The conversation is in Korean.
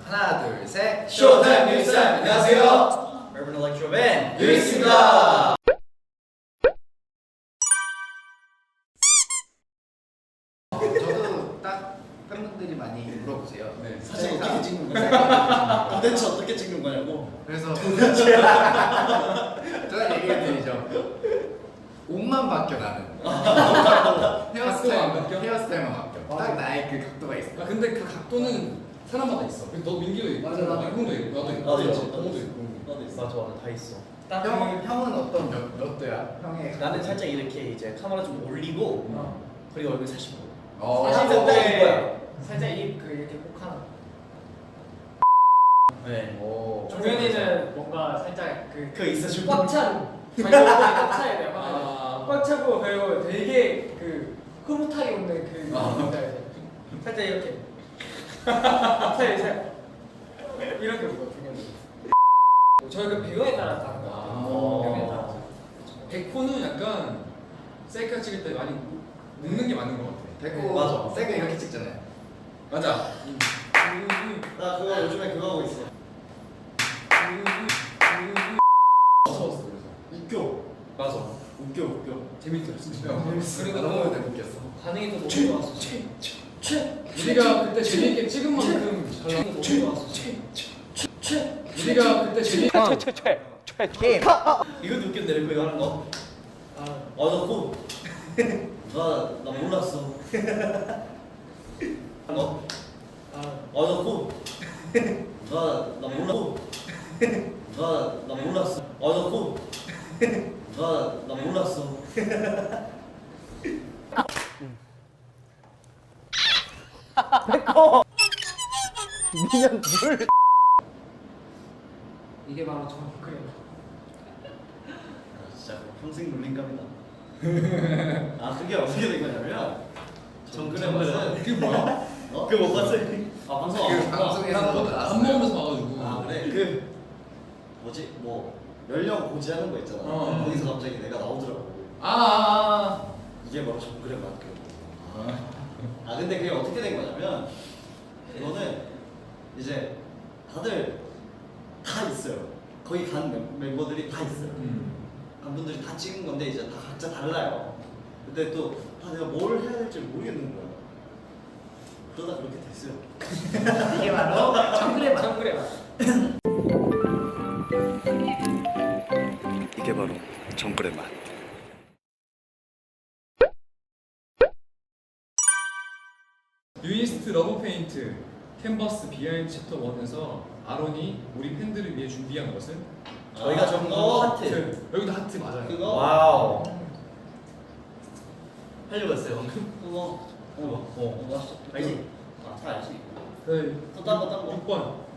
하나 둘 셋. 쇼타임 뉴스 안녕하세요. Urban Electro Band 뉴스입니다. 저도 딱 팬분들이 많이 물어보세요. 네, 사진 어떻게 찍는 거냐? 도대체 어떻게 찍는 거냐고. 그래서 제가 얘기해드리죠. 옷만 바뀌어 나는. 각도가 안 바뀌어? 헤어스타일만 바뀌어. 딱 나의 그 각도가 있어. 아 근데 그 각도는 사람마다 있어. 너 민기도 있고, 맞아, 나도 형도 있고, 나도 있고, 나도 있어. 동호도 있고. 나도 있어. 맞아 다 있어. 형은 어떤 몇 도야? 형의 나는 살짝 이렇게 이제 카메라 좀 올리고 그리고 얼굴 45. 사실 사실 딱 이거야. 살짝 입 그 이렇게 꼭 하나. 네. 오. 종현이는 뭔가 살짝 그 있어 꽉 찬. 자기 얼굴이 꽉 차야 돼요. 아. 꽉 차고 그리고 되게 그 흐뭇하게 웃는 그 뭔지 알지? 살짝 이렇게. 살짝 이렇게 웃어 종현이. 저희 그 배우에 따라 다른 거 같아요. 배우에 따라서. 백호는 약간 셀카 찍을 때 많이 웃는 게 맞는 것 같아. 됐고 맞아. 세게 이렇게 찍잖아요. 맞아. 나 그거 요즘에 그거 하고 있어. 무서웠어 그래서. 웃겨. 맞아. 웃겨. 재밌더라 진짜. 그리고 너무 웃겼어. 반응이 또 너무 좋았어. 우리가 그때 재밌게 찍은 만큼 잘 나온 거 너무 좋았어. 우리가 그때 재밌게 이것도 웃겼네 래퍼 이거 하는 거. 나 코. 나 몰랐어. 하는 거. 나 코. 나 몰랐어. 나 몰랐어. 나 코. 나 몰랐어. 이게 바로 정크래요. 진짜 평생 놀림감이다. 아 그게 어떻게 된 거냐면 정글의 그게 뭐야? 그거 못 봤어? 아 방송 안 그 봤구나. 방송에서 밥 나왔어요. 먹으면서 봐가지고. 아 그래 그 뭐지 뭐 연령 고지하는 거 있잖아. 거기서 갑자기 내가 나오더라고. 이게 바로 정글의 맛. 아 근데 그게 어떻게 된 거냐면 이거는 이제 다들 다 있어요. 거기 간 멤버들이 다 있어요. 간 분들이 다 찍은 건데 이제 다 각자 달라요. 근데 또 내가 뭘 해야 될지 모르겠는 거야. 그러다 그렇게 됐어요. 이게 바로 정크래 맛. 정크래 맛. 이게 바로 정글의 맛. 유이스트 러브 페인트 캔버스 비하인드 챕터 1에서 아론이 우리 팬들을 위해 준비한 것은 저희가 적은 거 하트. 여기도 하트 맞아요. 그거 와우. 하려고 했어요 방금. 그거 맛있어. 알지? 다 알지. 그 또 딴 거. 6번